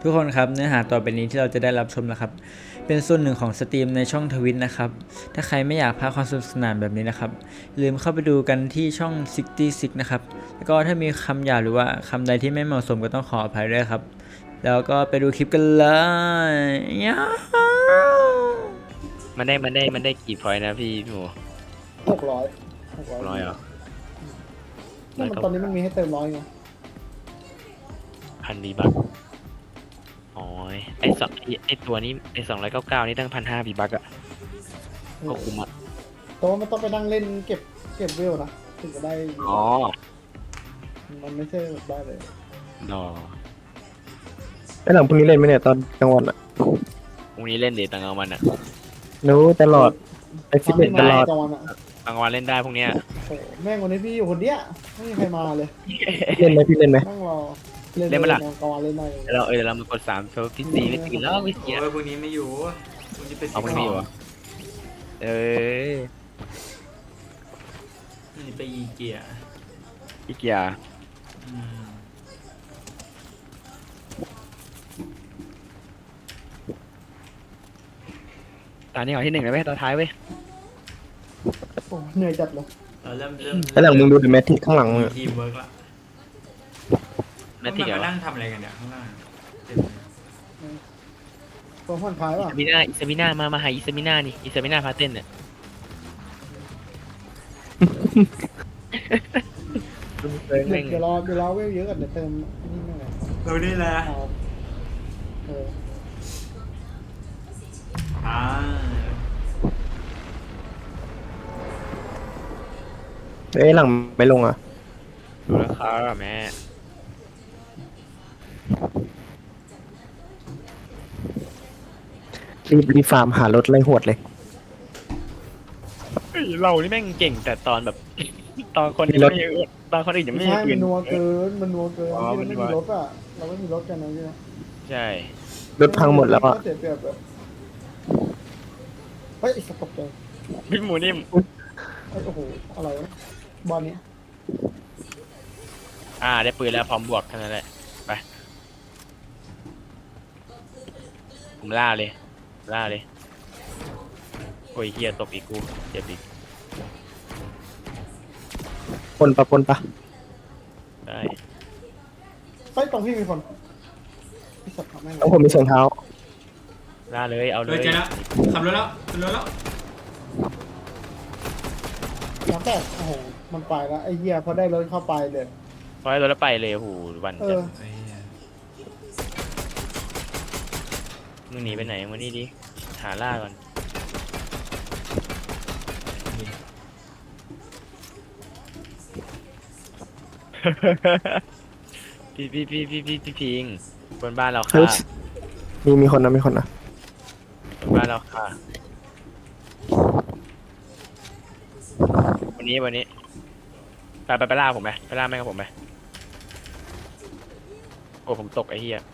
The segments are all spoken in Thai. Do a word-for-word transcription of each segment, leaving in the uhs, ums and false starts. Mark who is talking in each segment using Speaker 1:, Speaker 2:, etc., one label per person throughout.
Speaker 1: ทุกคนครับเนื้อหาต่อไปนี้ที่เราจะได้รับชมนะครับเป็นส่วนหนึ่งของสตรีมในช่องทวิตนะครับถ้าใครไม่อยากพลาดความสนุกสนานแบบนี้นะครับอย่าลืมเข้าไปดูกันที่ช่องหกสิบหกนะครับแล้วก็ถ้ามีคำหยาบหรือว่าคำใดที่ไม่เหมาะสมก็ต้องขออภัยด้วยครับแล้วก็ไปดูคลิปกันเลยยา
Speaker 2: มันได้มันได้มันได้กี่พอยต์นะพี่พี่หมู
Speaker 3: หกร้อยหกร้อย
Speaker 2: ร้อยเหรอ
Speaker 3: มันตอนนี้มันมีให้เติมร้อยไง
Speaker 2: พันบีบักอ๋อไอสองไอไอตัวนี้ไอสองร้อยเก้าเก้านี่ตั้งพันห้าบีบักอะก็คุ้มอะ
Speaker 3: แต่ว่ามันต้องไปนั่งเล่นเก็บเก็บเวลนะถึงจะได้
Speaker 2: อ๋อ
Speaker 3: มันไม่ใช่แบบได้เลย
Speaker 2: ดอ
Speaker 4: ไอ้หลังพรุ่งนี้เล่นไหมเนี่ยตอนกลางวันอ่ะ
Speaker 2: พรุ่งนี้เล่นเดทตังกลางวันอะ
Speaker 4: รู้ตลอดไปฟิตเนสตลอด
Speaker 3: กลางวันอ่ะ
Speaker 2: กลางวันเล่นได้พรุ่งเนี้ย
Speaker 3: โอ้แม่งวันนี้พี่อยู่คนเดียวไม่มีใครมาเลย
Speaker 4: เล่นไหมพี่เล่นไหม
Speaker 3: นั่งรอเล่นกลางวันเล่นได้
Speaker 2: เดี๋ยวเราเออเดี๋ยวเรามากดสามเพราะพี่ซีไม่ตีแล้วพี่ซี
Speaker 1: โอ้ยพรุ่งนี้ไม่อยู่พรุ่งนี้ไป
Speaker 2: เอาพรุ่งนี้อยู่อะเออ
Speaker 1: พรุ่งนี้ไปอีเกีย
Speaker 2: พี่เกียร์
Speaker 1: อืม
Speaker 2: ตอนนี้ขอที่หนึ่งเลยเว้ยตอนท้ายเว้ย
Speaker 3: โอ้เหนื่อยจัดเลย
Speaker 1: เราเริ่มเริ่ม
Speaker 4: ไอ้หลังมึงดูดิแมทที่ข้างหลังมึง
Speaker 1: มี
Speaker 4: อะ
Speaker 1: ทีมเวิร์กละ
Speaker 2: แมทที่เดี๋ยว
Speaker 1: มานั่งทำอะไรกันเนี่ยข้างล่างเต็มเลย
Speaker 3: ตัวผ่อนคลาย
Speaker 2: อิ
Speaker 3: ป่ะ
Speaker 2: ซามิน่าอิซามิน่ามามาหาอิซามิน่านี่อิซามิน่าพาเต้นเนี่ย
Speaker 3: เดี๋ยวรอเดี๋ยวรอเวลเยอะกันเดี๋ยวเติมนี่แม่งไง
Speaker 1: เราได้แล้ว
Speaker 3: เอาเออ
Speaker 1: อ่า
Speaker 4: เอ้ยหลังไม่ลงอ่ะ
Speaker 2: ดูราคาอะแม่
Speaker 4: รีบรีบฟาร์มหารถไล่หวดเลย
Speaker 2: เฮ้ยเรานี่แม่งเก่งแต่ตอนแบบ ตอนคนยังไม่มีตอนคนอื่นยัง
Speaker 3: ไม่
Speaker 2: ไม่มี
Speaker 3: ใช่
Speaker 2: ปื
Speaker 3: มัน นนัวเกินมันนัวเกิน
Speaker 2: อ๋อ
Speaker 3: ที่
Speaker 2: มั
Speaker 3: มัน
Speaker 2: น
Speaker 3: ไม่
Speaker 2: นัว
Speaker 3: มีรถอ่ะเราไม่มีรถกันนะใช่ไหม
Speaker 2: ใช่
Speaker 4: รถพังหมดแล้วอ่ะ
Speaker 3: เสียเปรียบแบบเฮ้ยไอ้สกปรกเลย
Speaker 2: พี่หมูนิ่ม
Speaker 3: ไอ้โอ้โหอะไรวะบอลนี้
Speaker 2: อ่าได้ปืนแล้วพร้อมบวกแค่นั้นแหละไปผมล่าเลยล่าเลยโอ้ยเฮียตบอีกกูเจ็บอีก
Speaker 4: ปนปะปนปะ
Speaker 2: ได้
Speaker 3: เฮ้ยตรงพี่มีคนไอ้สัตว์ทำแม่ง
Speaker 4: ต้องผมมีเสียงเท้า
Speaker 2: ล่าเลยเอาเล
Speaker 1: เฮ้ย
Speaker 2: ย
Speaker 1: เจอแล้วขับรถแล้วขับรถแล้ว
Speaker 3: น้ำแตกโอ้โหมันไปแล้วไอ้เหี้ยพอได้รถเข้าไปเลย
Speaker 2: พอให้รถแล้วไปเลยโอ้โหวัน
Speaker 3: เอ
Speaker 2: จะ
Speaker 3: อ
Speaker 1: เฮ้ย
Speaker 2: มึงหนีไปไหนมึงนี่ดิหาล่าก่อน พี่พี่พี่พี่พี่พี่พิงบนบ้านเรา
Speaker 4: เฮ้
Speaker 2: ค่ะ
Speaker 4: ยมีมีคนนะมีคนนะ
Speaker 2: บนบ้านเราค่ะวันนี้วันนี้ไปไปไปล่าผมไหมไปล่าแม่งกับผมไหมโอ้ผมตกไอ้เหี้ย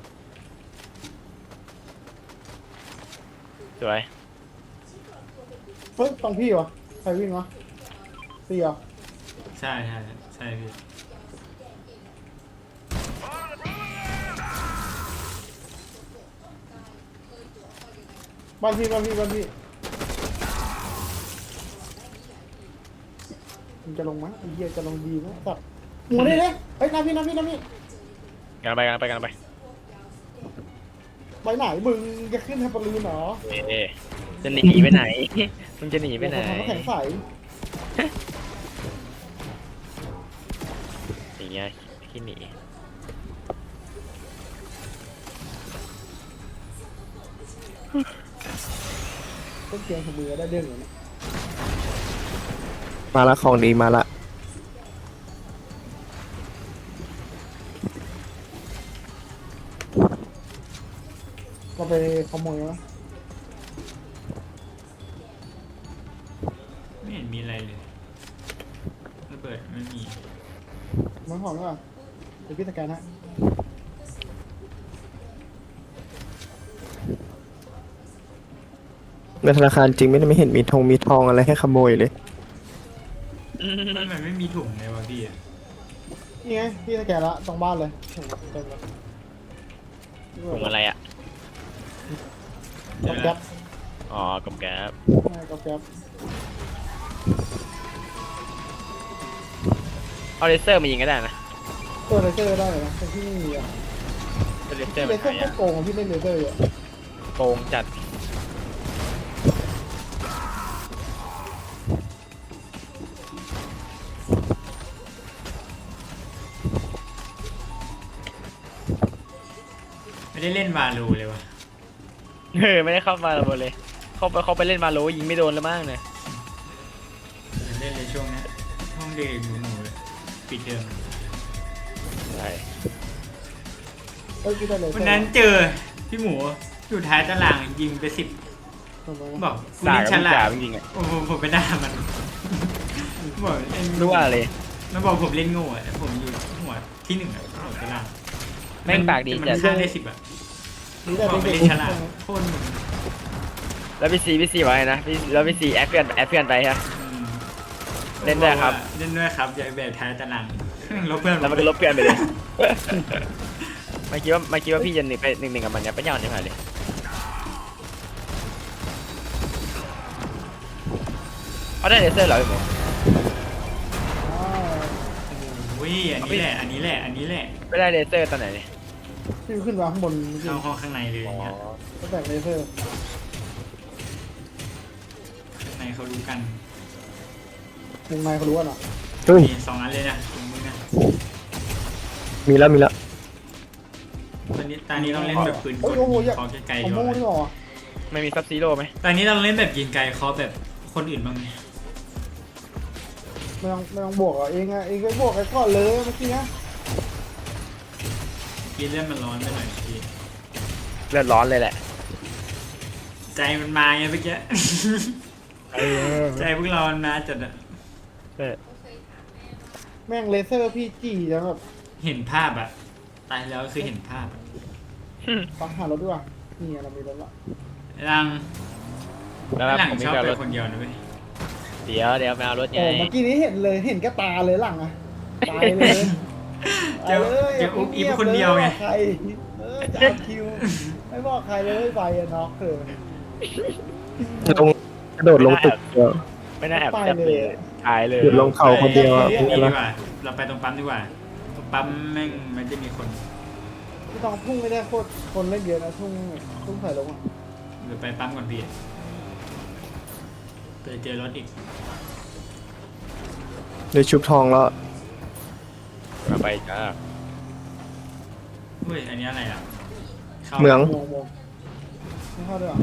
Speaker 2: สวย
Speaker 3: เฮ้ยตรงพี่วะใครวิ่งวะพี่เหรอ
Speaker 1: ใช่ใช่ใช่พี่
Speaker 3: บ้านพี่บ้านพี่บ้านพี่มันจะลงมั้ยไอ้เหี้ยจะลงดีมั้ยสัตว์หมูนี่เลยเฮ้ยน้ำพี่น้ำพี่น้ำพี่
Speaker 2: กันไปกันไปกันไป
Speaker 3: ไปไหนมึงจะขึ้นแฮปเปอร์ลูนเหรอ
Speaker 2: เอ๊ะจะหนีไปไหน มึงจะหนีไปไหน
Speaker 3: ทำน้ำแข็งใส
Speaker 2: อย่างเงี้ยขี้หนี
Speaker 3: ต้นเกียงของมือได้เรื่องอยู่นะ
Speaker 4: มาละของดีมาละ
Speaker 3: เราไปขโมยวะ
Speaker 1: ไม่เห็นมีอะไรเลยระเบิดไม่มี
Speaker 3: มันหอมหรือเปล่าเดี๋ยวพี่สแกนฮะ
Speaker 4: ในธนาคารจริงไม่ได้ไม่เห็นมีทองมีทองอะไรให้ขโมยเลย
Speaker 1: มันเหมือนไม่มีถุงเลยวะพี่อะ
Speaker 3: นี่ไงพี่สแกนละตรงบ้านเลยเต็มเลย
Speaker 2: ถุงอะไรอ่ะ
Speaker 3: กับแก๊ป
Speaker 2: อ๋อกับแก๊บ
Speaker 3: ใช่กับแก๊ป
Speaker 2: เอาเลเซอร์มายิงก็ได้นะ
Speaker 3: ตัวเลเซอร์ได้เลยนะแต่ที่ไม่มีอ่ะ
Speaker 2: เอาเลเซอ
Speaker 3: ที่
Speaker 2: ร์
Speaker 3: เล
Speaker 2: มัน
Speaker 3: เซอ
Speaker 2: หา
Speaker 3: ร์
Speaker 2: ยาก
Speaker 3: โกงของพี่เล่นเลเซอร์อ่ะ
Speaker 2: โกงจัด
Speaker 1: ไม่ได้เล่นวาโลเลยวะ
Speaker 2: เออไม่ได้เข้ามาเลย เข้าไปเขาไปเล่นมาโลยิงไม่โดนแล้วมั้งเนี่ย
Speaker 1: เล่นในช่วงนี้ห้องเด็กหนูหนูเลยปิดเทอม
Speaker 2: ใช่
Speaker 3: เอ้ยพี่ได้เลเซอร์
Speaker 1: วันนั้นเจอพี่หมูอยู่ท้ายตารางยิงไปสิบ
Speaker 3: ทำไม
Speaker 1: บ
Speaker 3: วะ
Speaker 1: อกกู
Speaker 2: ด่า
Speaker 1: เล่น
Speaker 2: กับ
Speaker 1: ฉ
Speaker 2: พี่
Speaker 1: ลา
Speaker 2: จ๋า
Speaker 1: ด
Speaker 2: จริงๆอ่ะ
Speaker 1: โอ้โหผมไปด่ามันบอกเล่น
Speaker 2: รู้ว่าเลย
Speaker 1: มันบอกผมเล่นโง่อะแต่ผมอยู่หัวที่หนึ่งอะหัวตาราง
Speaker 2: แม่งปากดี
Speaker 1: มัน
Speaker 2: จัด
Speaker 1: ฆ่าได้สิบอะ
Speaker 3: นี่
Speaker 1: บ
Speaker 3: ได้
Speaker 1: อก
Speaker 3: เล
Speaker 1: ไป
Speaker 3: เซอ
Speaker 1: เล่นฉลาด
Speaker 3: ร์
Speaker 1: โคตรมึง
Speaker 2: แล้วพี่ซีพี่ซีว่าไงนะพี่แล้วพี่ซีแอดเพื่อนแอดเพื่อนไปฮะ
Speaker 1: อืม
Speaker 2: เล่นด้วยครับ
Speaker 1: เล่นด้วยครับอย่าแบบท้ายตารางลบเพื่อน
Speaker 2: แล้วมันก็ลบเพื่อนไปเลย ไม่คิดว่าไม่คิดว่าพี่จะหนึ่งไปหนึ่งหนึ่งกับมันเนี่ยไปยาวนี่มาเลยเอาได้เลเซอร์เหรอพี่หมู
Speaker 3: อ้าว
Speaker 1: โอ้ยอันนี้แหละอันนี้แหละอันนี้แหละ
Speaker 2: ไม่ได้เลเซอร์ตอนไหนเนี่ย
Speaker 3: พี่ขึ้นมาข้างบนเมื่อกี้
Speaker 1: เข้าห้องข้างในเลยอย่างเงี้ย
Speaker 3: ก็แตกเลเซอร์
Speaker 1: ข้างในเขารู้กัน
Speaker 3: วงในเขารู้อ่ะเนาะ
Speaker 4: เฮ้ย
Speaker 1: มีสองอันเลยนะตรงมึงนะ
Speaker 4: มีแล้วมีแล้ว
Speaker 1: ตอนนี้ตอนนี้ต้องเล่นแบบปืนก
Speaker 3: โอ้ย
Speaker 1: ล
Speaker 3: โอ้โหอยาก
Speaker 1: เคอไกลๆ
Speaker 3: เอา
Speaker 1: ดีก
Speaker 3: โม่
Speaker 1: ว่า
Speaker 3: ที่หรอ
Speaker 2: ไม่มีซับซีโร่ไหม
Speaker 1: ตอนนี้เราเล่นแบบยิงไกลเคอแบบคนอื่นบ้างไหม
Speaker 3: ไม่ต้องไม่ต้องบวกอ่ะเองอ่ะเองก็บวกไอ้ก่อนเลยเมื่อกี้นะ
Speaker 1: กินเล่นมันร้อนไปหน่อยพี่
Speaker 2: เลือดร้อนเลยแหละ
Speaker 1: ใจมันมาไงเมื่อกี้ ใจพวกเรามันมาจัดอะ
Speaker 2: เออ
Speaker 3: แม่งเลเซอร์พี่จี้แล้วแบบ
Speaker 1: เห็นภาพอะตายแล้วคือเห็นภาพอะ
Speaker 3: ปังหารถด้วยว่ะนี่ไงเรามีรถละ
Speaker 1: รัง
Speaker 2: แล้วครับ
Speaker 1: หลัง
Speaker 2: ผมมี
Speaker 1: ชอบ
Speaker 2: การ
Speaker 1: ไป
Speaker 2: รถ
Speaker 1: คนเดียวนะเว้ย
Speaker 2: เดี๋ยวเดี๋ยวไปเอารถไง
Speaker 3: โอ้เมื่อกี้นี้เห็นเลยเห็นกระตาเลยหลังอ่ะตายเลย
Speaker 1: เจอเจออุ๊บอิ๊บคนเดียวไง
Speaker 3: ใครเออจะเอาคิวไม่บอกใครเลยไปอะน็อกเลย
Speaker 4: ลงกระโดดลงตึกเดียว
Speaker 2: ไม่น่าแอบ
Speaker 3: ไป
Speaker 2: แซ่บ
Speaker 3: เล
Speaker 2: เลย ยตายเลย
Speaker 4: หยุดลงเขาคนเดียวอะ
Speaker 1: นี่
Speaker 4: เป็นไง
Speaker 1: ดี
Speaker 4: ล่ะ
Speaker 1: กว่าเราไปตรงปั๊มดีกว่าตรงปั๊มแม่งมันจะมีคน
Speaker 3: พี่ต้องพุ่งไม่ได้โคตรคนเล่นเยอะนะพุ่งพุ่งใส่ลงอ่ะ
Speaker 1: หรือไปปั๊มก่อนพี่ไปเจอรถอีก
Speaker 4: เดี๋ยวชุบทองแล้ว
Speaker 2: มาไปจ้า
Speaker 1: เฮ้ยอันนี้อะไรอ่ะข้า
Speaker 4: เหมือง
Speaker 3: มองมองไม่เข้าด้วยเหรอ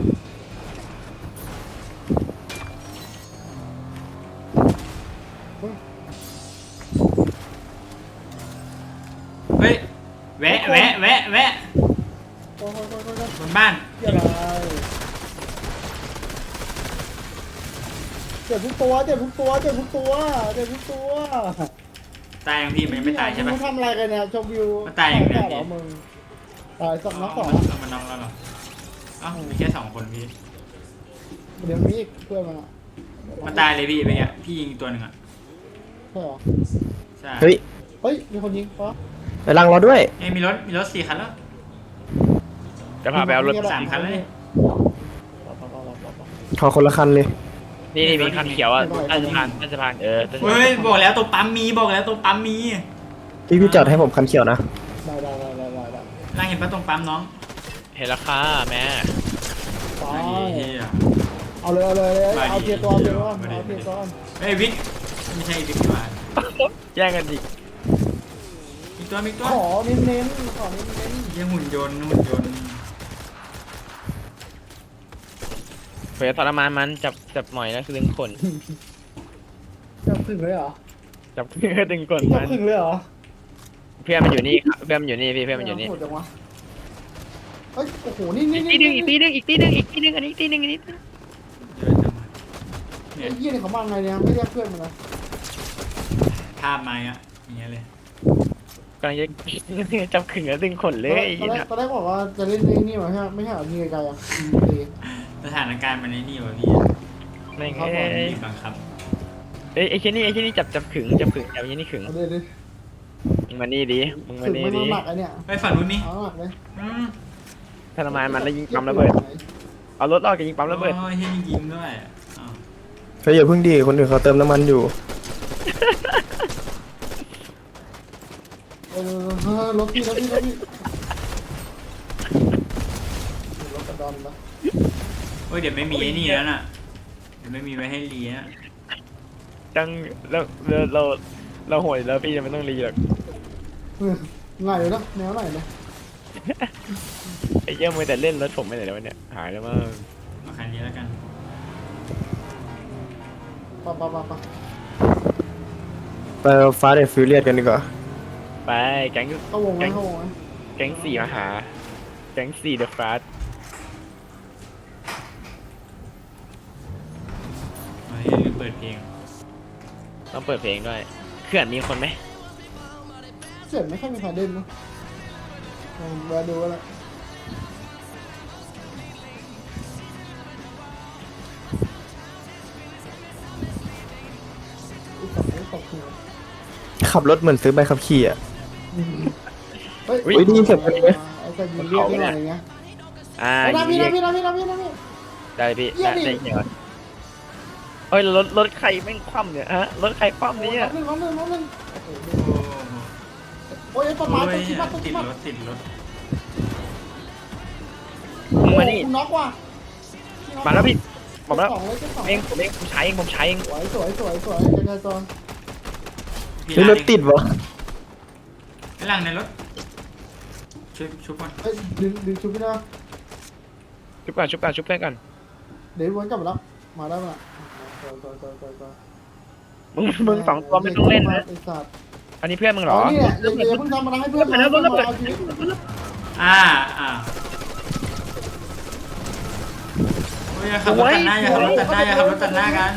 Speaker 3: เฮ้ย
Speaker 1: เฮ้ยแวะแวะแวะแวะ
Speaker 3: โอ้ยโอ้ยโอ้ยโอ้ย
Speaker 1: บนบ้าน
Speaker 3: เจ็บอะไรเจ็บทุกตัวเจ็บทุกตัวเจ็บทุกตัวเจ็บทุกตัว
Speaker 1: ตายยังพี่มันยังไม่ตายใช่ปะ
Speaker 3: มึงทำอะไรกันเนี่ยชมวิว
Speaker 1: มันตายอย่างเดียว
Speaker 3: เหรอมึงตายสองนักสอง
Speaker 1: เอามันน็อกแล้วเหรอเอ้ามีแค่สองคนพี่
Speaker 3: เดี๋ยวมีอีกเพื่อนมันอ่ะ
Speaker 1: มันตายเลยพี่ไปเงี้ยพี่ยิงตัวหนึ่งอ่ะ
Speaker 3: ใช่เหรอ
Speaker 1: ใช่
Speaker 4: เฮ้ย
Speaker 3: เฮ้ยมีคนยิงปะ
Speaker 4: ไปลังเราด้วย
Speaker 1: เอ้ยมีรถมีรถสี่คันแล้ว
Speaker 2: จะพาไปเอารถ
Speaker 1: สามคันเลย
Speaker 4: ขอคนละคันเลย
Speaker 2: นี่นี่มีคันเขียวอ่ะใต้สะพานใต้สะพานเออใต้สะพาน
Speaker 1: เฮ้ยบอกแล้วตัวปั๊มมีบอกแล้วตัวปั๊มมี
Speaker 4: พี่พี่จอดให้ผมคันเขียวนะ
Speaker 3: ได้ได้ได้ได้ได้ได้
Speaker 1: นางเห็นปะตรงปั๊มน้อง
Speaker 2: เห็นราคาแม่
Speaker 3: ไป
Speaker 1: มาดีเหี้ย
Speaker 3: เอาเลยเอาเลยเลย
Speaker 1: มาดิ
Speaker 3: เอาเทียร์ตัวเอาเทียร์ตัว
Speaker 1: มาดิ
Speaker 3: เอาเทียร์ตัว
Speaker 1: เฮ้ยวิกไม่ใช่วิกดีกว่า
Speaker 2: แย่งกันดิ
Speaker 1: มีตัวมีตัว
Speaker 3: ขอเน้นเน้นๆขอเน้นเน้น
Speaker 1: เยี่ยหุ่นยนต์หุ่นยนต์
Speaker 2: เผื่อทรมานมันจับจับหมอยแล้วคือดึงขน
Speaker 3: ๆจับขึงเลยเหรอ
Speaker 2: จับเพื่อดึงขน
Speaker 3: จั
Speaker 2: มั
Speaker 3: บ
Speaker 2: น
Speaker 3: ขึงเลยเหรอ
Speaker 2: เพื่อนมันอยู่นี่ครับเพื่อนมันอยู่นี่พี่เพื่อนมันอยู่นี่
Speaker 3: โหดจังวะเฮ้ยโอ้โหนี่นี่
Speaker 2: อีก
Speaker 3: นี่
Speaker 2: ตีหนึ่งอีกตีหนึ่งอีกตีหนึ่งอีกตีหนึ่งอันนี้อีกตีหนึ่งอันนี้
Speaker 1: เยอะจังวะเนี่
Speaker 3: ไอ้
Speaker 1: ย
Speaker 3: เหี้ยนี่เขามาไงเนี่ยไม่เรียกเพื่อนมันนะ
Speaker 1: ภาพมาอ่ะอย่างเงี้ยเลย
Speaker 2: กำลังจะ จับขึงแล้วดึงขนเลยไอ้
Speaker 3: ตอน
Speaker 2: เหี้
Speaker 3: แร
Speaker 2: ย
Speaker 3: กตอนแรกบอกว่าจะเล่นนี่นี่มาใช่ไหมไม่ใช่เหรอยิงไกลๆอ่ะยิงตี
Speaker 1: สถานการณ์มันในนี่วะพี่
Speaker 2: แม่ง
Speaker 3: ครับ
Speaker 2: เอ้
Speaker 3: ผม
Speaker 2: ย
Speaker 1: บีบบังคับ
Speaker 2: เอ้ยไอ้เช่นนี่ไอ้เช่นนี่จับจับขึงจับขึงจับยันนี่ขึง
Speaker 3: เอาเลยดิ
Speaker 2: มึงมานี่ดิมึงมา
Speaker 3: ถึง
Speaker 2: นี่
Speaker 3: ไม่
Speaker 2: ดิ
Speaker 3: มาหมักไอเนี่ย
Speaker 1: ไปฝั่งนู้นนี่
Speaker 3: เอาหมักเลย
Speaker 1: อืม
Speaker 2: ทรมานมันแล้วยิงปั๊มระเบิดเอารถออกจากยิงปั๊มระเบิด
Speaker 1: โอ้ยเฮียนี่ยิงด้วยอ้าว
Speaker 4: เฮ้ยอย่าเพิ่งดีคนอื่นเขาเติมน้ำมันอยู่
Speaker 3: เออรถพี่รถพี่รถพี่รถกระดอนนะ
Speaker 1: โอ้ยเดี๋ยวไม่มีไอ้นี่แล้วน่ะเดี๋ยวไม่มีไว้ให้รีนะ
Speaker 2: จังเราเราเราเราโหดแล้วพี่ไม่ต้องรีหรอก
Speaker 3: ง่ายเลยนะแนวไหนนะ
Speaker 2: ไอ้เยี่ยมือแต่เล่นรถผมไม่ไหนแล้ววะเนี่ยหายแล้วมั้ง
Speaker 1: มาคันนี้แล้วกัน
Speaker 3: ปะปะปะปะ
Speaker 4: ไปฟาสต์แอนด์ฟิวเรียสกันดีกว่า
Speaker 2: ไปแก๊ง
Speaker 3: เข้าวงไหมเข้าวงไหม
Speaker 2: แก๊งสี่มาหาแก๊งสี่เดอะฟาส
Speaker 1: เฮ้ยลืมเปิดเพลง
Speaker 2: ต้องเปิดเพลงด้วยเขื่อนมีคนไหม
Speaker 3: เสียงไม่ค่อยมีใครเล่นนะลองแวะดูก็แล้วอุ๊ยตกหัวตกหัว
Speaker 4: ขับรถเหมือนซื้อใบขับขี่อ่ะ
Speaker 3: เฮ้ย
Speaker 4: อุ๊ยได้ยินเสียงคนไหม
Speaker 3: ไอ้แต่ยิงเรียกได้หน่อยอย่างเงี้ย
Speaker 2: อ่า
Speaker 3: ไอ้นะพี่
Speaker 2: ยิ
Speaker 3: นะ
Speaker 2: ง
Speaker 3: พี่นะพี่นะพี่นะพี่
Speaker 2: ได้พี่
Speaker 3: เยี่ย
Speaker 2: ได้
Speaker 3: มดิ
Speaker 2: ได้เหี้ยเฮ้ยรถรถใครแม่งคว่ำเนี่ยฮะรถใครคว่ำเนี่ย
Speaker 3: น้องหนึ่งน้องหนึ่งน้องหนึ่ง
Speaker 1: โอ้โห
Speaker 3: โอ้ยประมาณ
Speaker 1: โอ้
Speaker 3: ตั
Speaker 1: ยว
Speaker 3: คิดมาตัว
Speaker 1: ติ
Speaker 3: คิ
Speaker 1: ด
Speaker 3: ดมาร
Speaker 1: ถติดรถ
Speaker 2: มึงมานี่
Speaker 3: คุณน็อกว่ะ
Speaker 2: มาแล้วพี่บอกแล้ว
Speaker 3: สองเลยเจ้าสอง
Speaker 2: เองผมเองผมใช้เองผมใช้เอง
Speaker 3: สวยสวยสวยสวยใจจอน
Speaker 1: พี่
Speaker 4: นี่รถติดวะ
Speaker 1: ไอ้หลังในรถชุบชุบก่อน
Speaker 3: เอ้ยดึงดึงชุบพี่นะ
Speaker 2: ชุบก่อนชุบก่อนชุบเพื่อนก่อน
Speaker 3: เดี๋ยววนกลับมาแล้วมาได้ป่ะสวยสวยสวยสวยสวย
Speaker 2: มึงมึงสองตัวไม่ต้องเล่นนะ
Speaker 3: ไอ้สัตว์
Speaker 2: อันนี้เพื่อนมึงเหร
Speaker 3: อ๋
Speaker 2: อ
Speaker 3: อนี่แหละอย่าอย่าเพิ่งทำอะไรให้เพื่อน
Speaker 2: ไปแล้ว
Speaker 3: เพื่อน
Speaker 2: ไปแล้ว
Speaker 3: เอาชีวิต
Speaker 1: อ่าอ่าโอ้ยอย่าขับรถตัดหน้าอย่าขับรถตัดหน้าอย่าขับรถตัดหน้ากัน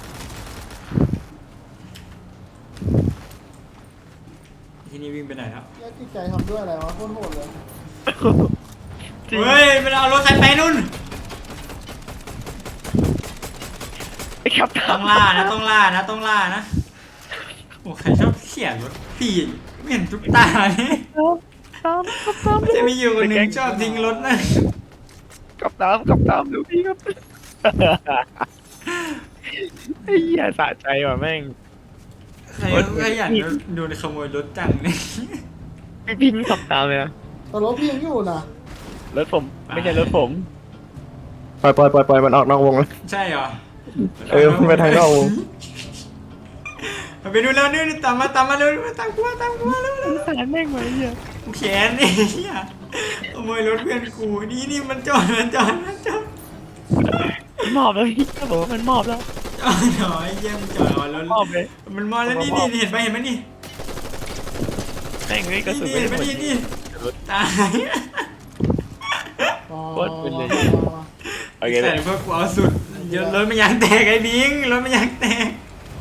Speaker 1: ที่นี่วิ่งไปไหนแล้ว
Speaker 3: แยกจิตใจทำด้วยอะไรวะโคตรโหดเลย
Speaker 2: จริง
Speaker 1: เฮ้ยมันเอารถใครไปนู่น
Speaker 2: ไอ้ครับ
Speaker 1: ต้องล่านะต้องล่านะต้องล่านะโอ้ใครชอบเขี่ยรถพี่ไม่เห็นทุกตาเนี่ยจะมีอยู่คนหนึ่งชอบทิ้งรถนะ
Speaker 2: กับตามกับตามดูพี่ครับไอ้เหี้ยสะใจว่ะแม่ง
Speaker 1: ใครใครอยากโดนขโมยรถจังเนี่ย
Speaker 2: พี่พี่ไม่ขับตามเลยนะ
Speaker 3: แต่รถพี่ยังอยู่นะ
Speaker 2: รถผมไม่ใช่รถผม
Speaker 4: ปล่อยปล่อยปล่อยปล่อยมันออกนอกวงแล้ว
Speaker 1: ใช่เหรอ
Speaker 4: เออมันไปทางนอกวง
Speaker 1: ไปดูแล้วนี่ตามมาตามมาเร็วตามกูมาตามกูมาเร็วเร็ว
Speaker 2: สารแม่งไว้เหี้ย
Speaker 1: กูแขนนี่เหี้ยขโมยรถเพื่อนกูนี่นี่มันจอดมันจอดมันจอด
Speaker 2: มันมอบแล้วพี่ก็บอกว่ามันมอบแล้ว
Speaker 1: จอดหน่อยเยี่ยมจอดแล้ว
Speaker 2: มอบเลย
Speaker 1: มันมอแล้วนี่นี่เห็นไหมเห็นไหมนี่
Speaker 2: แม่งเลยกระสุน
Speaker 1: นี่
Speaker 2: ไม่
Speaker 1: เห็นไหม
Speaker 2: ได้หมด
Speaker 1: นี่นี่ตาย
Speaker 2: โคตรเป็นเลย โอเคเล
Speaker 1: แต่
Speaker 2: ย
Speaker 1: พวกกูเอาสุดเดี๋ยวรถมันยางแตกไอ้บิงรถมันยางแตก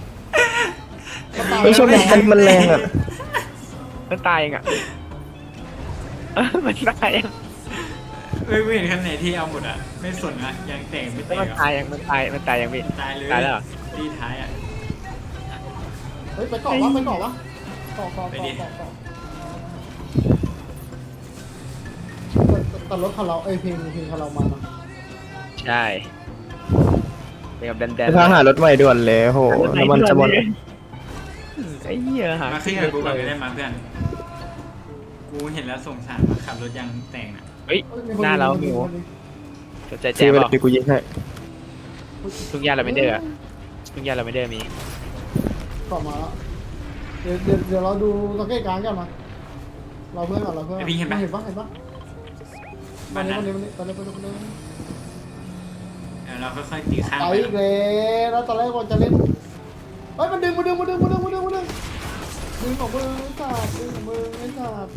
Speaker 4: ไม่ชอบมันมันมันแรงอ่ะ
Speaker 2: มันตายเองอ่ะมันตายเอง
Speaker 1: เฮ้ยไม่เห็นคันไหนที่เอาหมดอ่ะไม่สนอ่ะยางแตกไม่แต
Speaker 2: แล้ว
Speaker 1: ก
Speaker 2: มัน
Speaker 1: อ่ะ
Speaker 2: ตายยังมันตายมันตายยังพี่
Speaker 1: ตายเลย
Speaker 2: ตายแล้วเหรอ
Speaker 1: ตีท้ายอ่ะ
Speaker 3: เฮ้ยไปเกาะวะไปเกาะวะเกาะเกาะ
Speaker 1: ไปดิ
Speaker 3: เกาะเกาะแต่รถคาราเอ้ยเพลงเพลงคารามาเนาะ
Speaker 2: ใช่เป็นกับแดนแดน
Speaker 4: ถ้าหารถใหม่ด่วนเลยโหน้ำมันจะหมด
Speaker 2: ไอ้เหี้ยหา
Speaker 1: มาขึ้นกับกูก่อนก็ได้มาเพื่อนกูเห็นแล้วสงสารมาขับรถยางแตกอ่ะ
Speaker 2: เฮ้ย
Speaker 3: เอ้ยมีค
Speaker 2: หน้าเรา
Speaker 3: มี
Speaker 2: หิว
Speaker 3: คนมี
Speaker 2: สนใจแจ
Speaker 4: ซื้อ
Speaker 2: ม
Speaker 4: ไป
Speaker 2: บ
Speaker 4: เล
Speaker 2: อก
Speaker 4: ยพี่กูยิงให้
Speaker 2: ทุกยาเราไม่เด้อทุกยาเราไม่เด้อมี
Speaker 3: เกาะมาแล้วเดี๋ยวเดี๋ยวเดี๋ยวเราดูสังเกตการณ์กันมาเราเพื่อนก่อนเราเพื่อนก่อนเห็นปะเห็นปะเห็นปะวันนี้วันนี้วันนี้ตอนนี้ตอนนี้ตอนนี้
Speaker 1: เดี๋ยวเราค่อยๆตีข้าง
Speaker 3: ไป
Speaker 1: ไป
Speaker 3: อีกแล้วแล้วตอนแรกว่าจะเล่นเฮ้ยมันดึงมาดึงมาดึงมาดึงมาดึงมาดึงดึงของมือไอ้สัตว์ดึงของมือไอ้สัตว์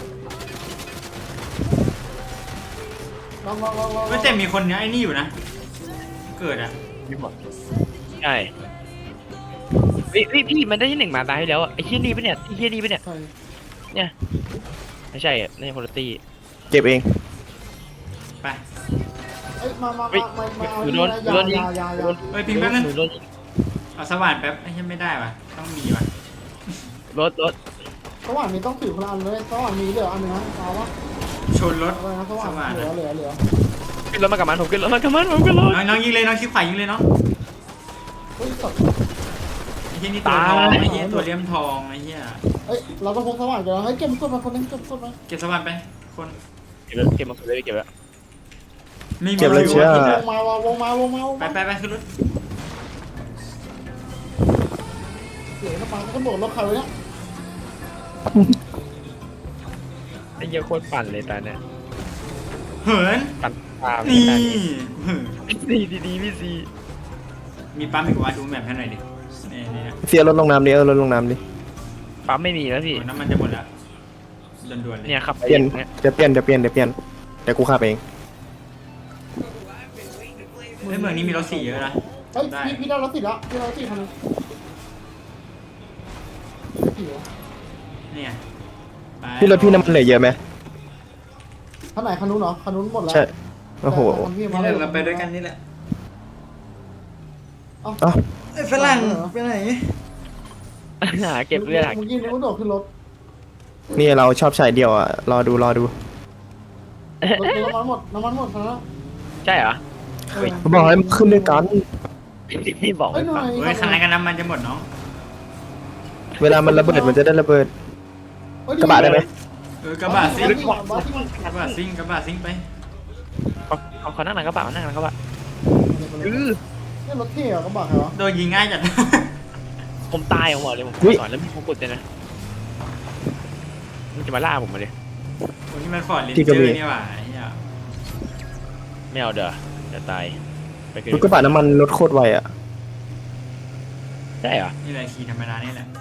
Speaker 3: ลองลองลองลอง
Speaker 1: เฮ้ยแต่มีคนเนี้ยไอ้นี่อยู่นะ เกิดอ่ะ
Speaker 2: มีหมดใช่พี่พี่พี่มันได้ที่หนึ่งมาตายให้แล้วไอ้เหี้ยนี่ปะเนี่ยไอ้เหี้ยนี่ปะเนี่ย
Speaker 3: ใช่
Speaker 2: เนี่ยไม่ใช่อ่ะนี่คนละตี
Speaker 4: เก็บเอง
Speaker 1: ไป
Speaker 3: เอ้ยมามา
Speaker 2: เฮ้ย
Speaker 3: มามาเอา
Speaker 2: หนู
Speaker 3: นี่
Speaker 2: โดน
Speaker 3: นะ
Speaker 2: หนูโดนยิ
Speaker 3: ยาง ยายา
Speaker 2: หนู
Speaker 3: ยา
Speaker 2: โดน
Speaker 1: เฮ้ยพิงแป๊บนึง
Speaker 2: หนูโดนยิง
Speaker 1: เอาสว่านแป๊บไอ้ยังไม่ได้ว่ะต้องมีว่ะ
Speaker 2: รถรถ
Speaker 3: สว่านมีต้องถือคนละอันเลยสว่านมีเหลืออันหนึงนะเอาวะ
Speaker 1: ชนรถ
Speaker 3: อะไรนะส
Speaker 1: ส
Speaker 3: ว่า
Speaker 1: ว่าง ง
Speaker 3: เหลือเหลือเหลือ
Speaker 2: ขึ้นรถมากับมันผมขึ้นรถมากับมันผมขึ้นรถ
Speaker 1: น้องน้องยิงเลยน้องคลิปขวายิงเลยน้อง
Speaker 3: เฮ้ยสัตว์
Speaker 1: ไอ้เหี้ยนี่ตัวทองไอ้เหี้ยตัวเลี่ยมทองไอ้เหี้ย
Speaker 3: เฮ้ยเราต้องพกสว่างกันเฮ้ยเก็บกดมาคนนึงเก็บกดมา
Speaker 1: เก็บสว่านไปคน
Speaker 2: เก็บแล้วเก็บมาเลยเก็บแล้ว
Speaker 1: ไม่มี
Speaker 4: เก็บเลยเชื่อ
Speaker 3: วงมาวงมาวงมาวง
Speaker 1: ไป
Speaker 3: มา
Speaker 1: ไปไปขึ้นรถ
Speaker 3: เสียงกระปังก็โดดรถใครไว้เนี่ย
Speaker 2: ไอ้เหี้ยโคตรปั่นเลยตาเนี่ย
Speaker 1: เหิน
Speaker 2: ปั่นตาม
Speaker 1: นี่
Speaker 2: ตา
Speaker 1: นี่
Speaker 2: ดีดีดีพี่ซี
Speaker 1: มีปั๊มอีกว่าดูแมพให้หน่อยดินี่นี่นะ
Speaker 4: เสียรถลงน้ำดิเออรถลงน้ำดิ
Speaker 2: ปั๊มไม่มีแล้วพี่
Speaker 1: โอ้น้ำมันจะหมดแล้วด่วนๆเลย
Speaker 2: เนี่ยขับไป
Speaker 4: เปลี่ยน
Speaker 2: เนี่ย
Speaker 4: เดี๋ยวเปลี่ยนเดี๋ยวเปลี่ยนเดี๋ยวเปลี่ยนเดี๋ยวกูขับเอง
Speaker 1: เฮ้ยเมืองนี้มีรถสีเยอะนะ
Speaker 3: เฮ้ยพี่พี่ได้รถติดแล้วพี่ได้รถติดคันนึงพี่วะ
Speaker 1: เนี่ยไป
Speaker 4: พี่รถพี่น้ำมันเหลือเยอะไหม
Speaker 3: คันไหนคันนู้นเหรอคันนู้นหมดแล้ว
Speaker 4: ใช่โอ้โห
Speaker 3: แต่คันพี่มา
Speaker 1: นี่แห
Speaker 3: แล้
Speaker 1: ละ
Speaker 3: ว
Speaker 1: เราไปด้วยกันนี่แหละ
Speaker 3: เอ้า
Speaker 4: เอ้า
Speaker 1: เอ้ยฝรั่งไปไหน
Speaker 2: หาเก็บเลือดหา
Speaker 3: เมื่อกี้นึกว่าโดดขึ้นรถ
Speaker 4: นี่เราชอบใช้เดียวอ่ะรอดูรอดู
Speaker 3: รถน้ำมันหมดน้ำมันหมดคันละ
Speaker 2: ใช่เหรอ
Speaker 3: เออ
Speaker 4: เขาบอกให้มันขึ้นด้วยกัน
Speaker 2: พี่บอก
Speaker 3: เอ้ย
Speaker 2: ไม่
Speaker 3: หน่
Speaker 2: ฟั
Speaker 3: อง ย
Speaker 1: เฮ้ยคันไหนกันน้ำมันจะหมดน้อง
Speaker 4: เวลามันระเบิดมันจะได้ระเบิด
Speaker 3: เฮ้ย
Speaker 4: กระบะได้ไหม
Speaker 1: เออกระบะซิ่ง
Speaker 3: บ้าบ้าที่มัน
Speaker 1: กระบะซิ่งกระบะซิ่งไป
Speaker 2: เขาเขาเขานั่งหลังกระบะนั่งหลังกระบะเออ
Speaker 3: นี่รถเท่เหรอกระบะใครวะ
Speaker 1: โดนยิงง่ายจัด
Speaker 2: ผมตายผมบอกเลยผมสอนแล้วมีมงกุฎเลยนะมันจะมาล่าผมมาเลย
Speaker 1: โอ้นี่มันฟอร์ดลินเจอร์นี่หว่าไอ้เหี้ย
Speaker 2: ไม่เอาเด้อจะตายไปกัน
Speaker 4: รถกระบะน้ำมันรถโคตรไวอ่ะ
Speaker 2: ได้เหรอ
Speaker 1: นี่แหละขี่ธรรมดานี่แหละ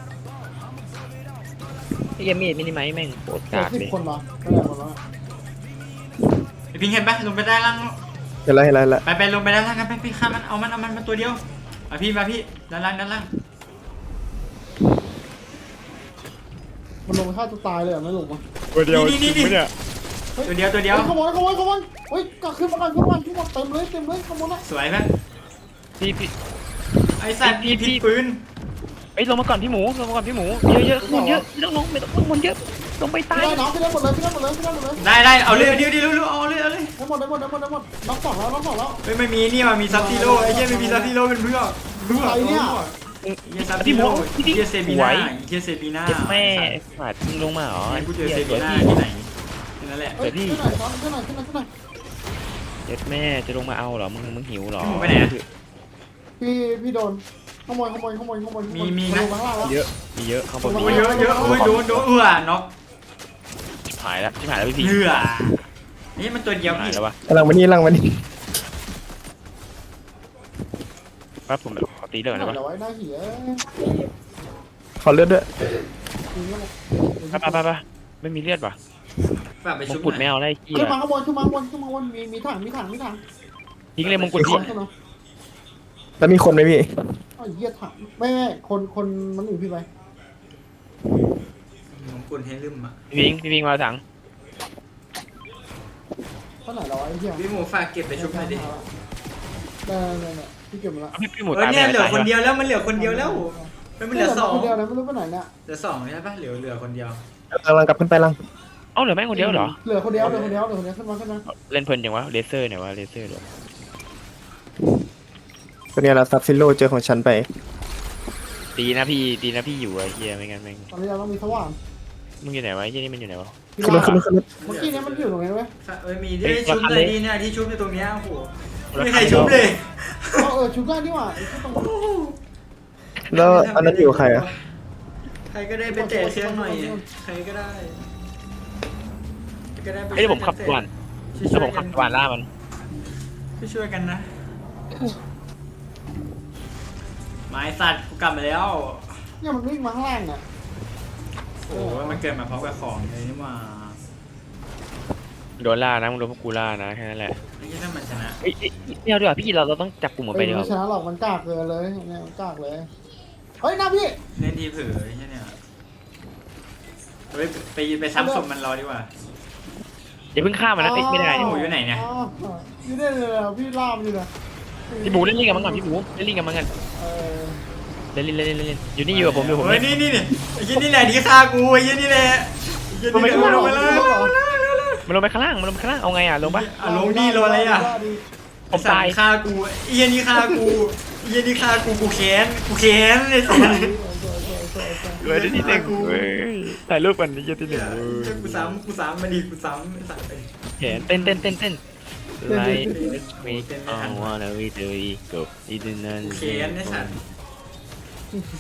Speaker 2: ไอ้เกมมีดมินิไมแม่งโคตร
Speaker 3: เจ็
Speaker 2: กา
Speaker 3: ด
Speaker 2: ก
Speaker 3: สิบ
Speaker 2: เลย
Speaker 3: คนวะก็ได้หมดแล้ว
Speaker 1: ไอพิงเห็นปะลงไปได้ล่าง
Speaker 4: เห็นแล้วเห็นแล้วเห็นแล้ว
Speaker 1: ไปไปลงไปด้านล่างกันไปพี่ฆ่ามันเอามันเอามันมาตัวเดียวอ่ะพี่มาพี่ด้านล่างด้านล่าง
Speaker 3: มันลงฆ่าตัวตายเลยไม่ลงมา
Speaker 2: ตัวเดียวจริงไหมเนี่ย
Speaker 1: ตัวเดียวตัวเดียว
Speaker 3: ขโมยขโมยขโมยเฮ้ยกขึ้นมากันขึ้นมาขึ้นมาเต็มเลยเต็มเลยขโมยนะ
Speaker 1: สวยปะ
Speaker 2: พี่พี่
Speaker 1: ไอสัตว์พี่พิษปืน
Speaker 2: ไอ้ยลงมาก่อนพี่หมูลงมาก่อนพี่หมูเยอะเยอะข้างบนเยอะไม่ต้องลงไม่ต้องข้างบนเยอะลงไปตาย
Speaker 3: พี่ได้น้องพี่ได้หมดเลยพี่ได้หมดเลยพี่ได้หมดเลย
Speaker 1: ได้ได้เอาเลยเดี๋ยวเดี๋ยวเร็วเอาเลยเอาเลย
Speaker 3: ได้หมดได้หมดได้หมดได้หมดน้องสองแล้วน้องสองแล้ว
Speaker 1: เฮ้ยไม่มีนี่ว่ะมีซับซีโร่ไอ้เหี้ยไม่มีซับซีโร่เป็นเพื่อนเพื่อนเหี้ยซับซีโร่เหี้ยเซบีน่าเหี้ยเซบีน่า
Speaker 2: เจ็บแม่ขาดมึงลงมาเหรอ
Speaker 1: ไอ้กูเจอเซ
Speaker 2: เจ็
Speaker 1: บี
Speaker 2: บ
Speaker 1: น่า
Speaker 2: พี่
Speaker 1: ที่ไหนนั่นแหละ
Speaker 3: เฮ้ยขึ้นหน่อยซ้อนขึ้นหน่อยขึ้นหน่อยขึ้นหน่อย
Speaker 2: เจ็บแม่จะลงมาเอาเหรอมึงมึงหิวเหรอ
Speaker 3: พี่พี่โดนขโมยขโมยขโมยขโมย
Speaker 1: มีมีนะ
Speaker 3: ลงมาข้างล่างแล้ว
Speaker 2: เยอะมีเยอะข้างบน
Speaker 1: โอ้
Speaker 2: มี
Speaker 1: ยเยอะเยอะโอ้ยโดนโดนเอื้อน็อก
Speaker 2: ชิบหายแล้วชิบหายแล้วพี่พี่
Speaker 1: เอื้อนี่มันตัวเดียว
Speaker 2: ชิบหาย
Speaker 1: นี่
Speaker 2: แล้ววะ
Speaker 4: กำลังมานี่กำลังมานี่
Speaker 2: ครับผมแบบขอตีเรื่องนะวะ
Speaker 3: เดี๋ยวไว้หน้าเหี้ย
Speaker 4: ขอเลือดด้วย
Speaker 2: ไปไปไปไปไม่มีเลือดว่ะ
Speaker 1: ฝากไป
Speaker 2: ม
Speaker 1: ชุ
Speaker 2: ง
Speaker 1: บ
Speaker 2: กุฎ
Speaker 1: ห
Speaker 2: ไม่
Speaker 1: น่อย
Speaker 2: เอาได้ขี้
Speaker 3: ขึ้นมา
Speaker 2: อะ
Speaker 3: ข้างบนขึ้นมาข้างบนขึ้นมาข้างบนมีมีถังมีถังมีถัง
Speaker 2: ทิ้งเลยมงกุฎพี่
Speaker 3: ขึ้นมา
Speaker 4: แล้วมีคนไหมพี่
Speaker 3: ไอ้เหี้ยถังไม่ไม่คนคนมันอื่นพี่ไป
Speaker 1: มงกุฎให้ลืมอ่ะ
Speaker 2: พี่พิงพี่พิงมาถัง
Speaker 3: เท่าไหร่เราไอ้เหี้ย
Speaker 1: พี่หมูฝากเก็บไปชุบหน่อยดิ
Speaker 3: ได้ได้ได้พี่เก็บมาละ
Speaker 2: เอาพี่พี่หมู
Speaker 1: เออ
Speaker 2: ตาย
Speaker 1: เนี่ย
Speaker 2: ไป
Speaker 1: เหลือ
Speaker 2: ตาย
Speaker 1: คนเดียวแล้วมันเหลือคนเดียวแล้วมันเหลือสอง
Speaker 3: คนเดียวนะไม่รู้ไปไหนเนี่ย
Speaker 1: เหลือสองใช่ปะเหลือเหลือคนเดียว
Speaker 4: กำลังกลับขึ้นไปลัง
Speaker 2: เอ้าเหลือแม่งคนเดียวเหรอ
Speaker 3: เหลือคนเดียวเหลือคนเดียวเหลือคนเดียวขึ้นมาขึ้นมา
Speaker 2: เล่นเพลินจังวะเลเซอร์เนี่ยวะเลเซอร์เดี๋ยว
Speaker 4: ตัวเนี้ยเราซับซิโร่เจอของฉันไป
Speaker 2: ดีนะพี่ดีนะพี่อยู่ไอ้เหี้ยไม่งั้นแม่ง
Speaker 3: ตอนนี้เราต้องมีสว่าง
Speaker 2: มึงอยู่ไหนวะไอ้เหี้ยนี่มันอยู่ไหนวะ
Speaker 3: พี่
Speaker 4: ขึ้นรถ
Speaker 3: ว่า
Speaker 4: ขึ้นรถขึ้นรถ
Speaker 3: เมื่อกี้เนี้ยมันอยู่ตรงนี้เว้ย
Speaker 1: เอ้ยมีที่ชุบเลยดีเนี่ยที่ชุบในตรงเนี้ยโอ้โหไม่มีใครชุบเลย
Speaker 3: เออเออชุบได้นี่หว่าไอ้ที่ตรง
Speaker 4: แล้วอันนั้นอยู่กับใครอ่ะ
Speaker 1: ใครก็ได้ไปเตะเครื่องหน่อยใครก็ได้ก็ได้ไป
Speaker 2: ไอ้ยเดี๋ยวผมขับก่อนถ้าผมขับก่อนล่ามัน
Speaker 1: ช่วยกันนะไม้สัตว์กูกลับมาแล้ว
Speaker 3: เนี่ยมันวิ่งมาข้างล่างอ่ะ
Speaker 1: โอ้โหมันเกิดมาพร้อมกับของเลยนี่มา
Speaker 2: โดนล่านะมึงโดนพวกกูล่านะแค่นั้นแหละ
Speaker 1: ไม่ใช่ถ้ามันชนะ
Speaker 2: เอ้ยเอ้ยไม่เอาดีกว่าพี่เราเราต้องจับกลุ่มมัน
Speaker 3: เอ
Speaker 2: ไป
Speaker 3: อ
Speaker 2: ดีก
Speaker 3: ไม่
Speaker 2: ว่า
Speaker 3: ชนะหรอกมันกากเกินเลยเนี่ยมันกากเลยเฮ้ยหน้าพี่
Speaker 1: เล่นทีเผลอใช่เนี่ยเฮ้ยไปไปซ้ำศพมันรอดีกว่า
Speaker 2: อย่าเพิ่งฆ่ามันนะติดไม่ได้
Speaker 1: หมูอยู่ไหนเนี่ย
Speaker 3: อ๋ออยู่ได้เลยอะพี่ล่ามอยู่นะ
Speaker 2: พี่หมูเล่นลิงกับมันก่อนพี่หมูเล่นลิงกับมันกัน
Speaker 3: เออ
Speaker 2: เล่นเล่นเล่นเล่นเล่นอยู่นี่อยู่กับผมอยู่กับผม
Speaker 1: เฮ้ยนี่นี่นี่ไอ้ยี่นี่แหละที่ฆ่ากูไอ้ยี่นี่แหละไอ้ยี่นี่แหละลงไปเลย
Speaker 2: มันลงไปข้างล่างมันลงไปข้างล่างเอาไงอ่ะลงปะ
Speaker 1: อ่ะลงดีรออะไรอ่ะ
Speaker 2: ผมตาย
Speaker 1: ไอ้สัตว์ฆ่ากูไอ้เหี้ยนี่ฆ่ากูไอ้เหี้ยนี่ฆ่ากูกูแค้นกูแค้นไอ้สัส
Speaker 2: เว้ยที่หนึ่งเว้ยถ่ายรูปกันนี่ที่หนึ่ง
Speaker 1: กูซ้ำกูซ้ำมาดิกูซ้ำไอ้สัสไป
Speaker 2: เห็นเต้นเต้นเต้นเต้นไลท์มีอ๋อว่าแล้ววิดีโออีกบอีดินัน
Speaker 1: กูแค้นไอ้สัส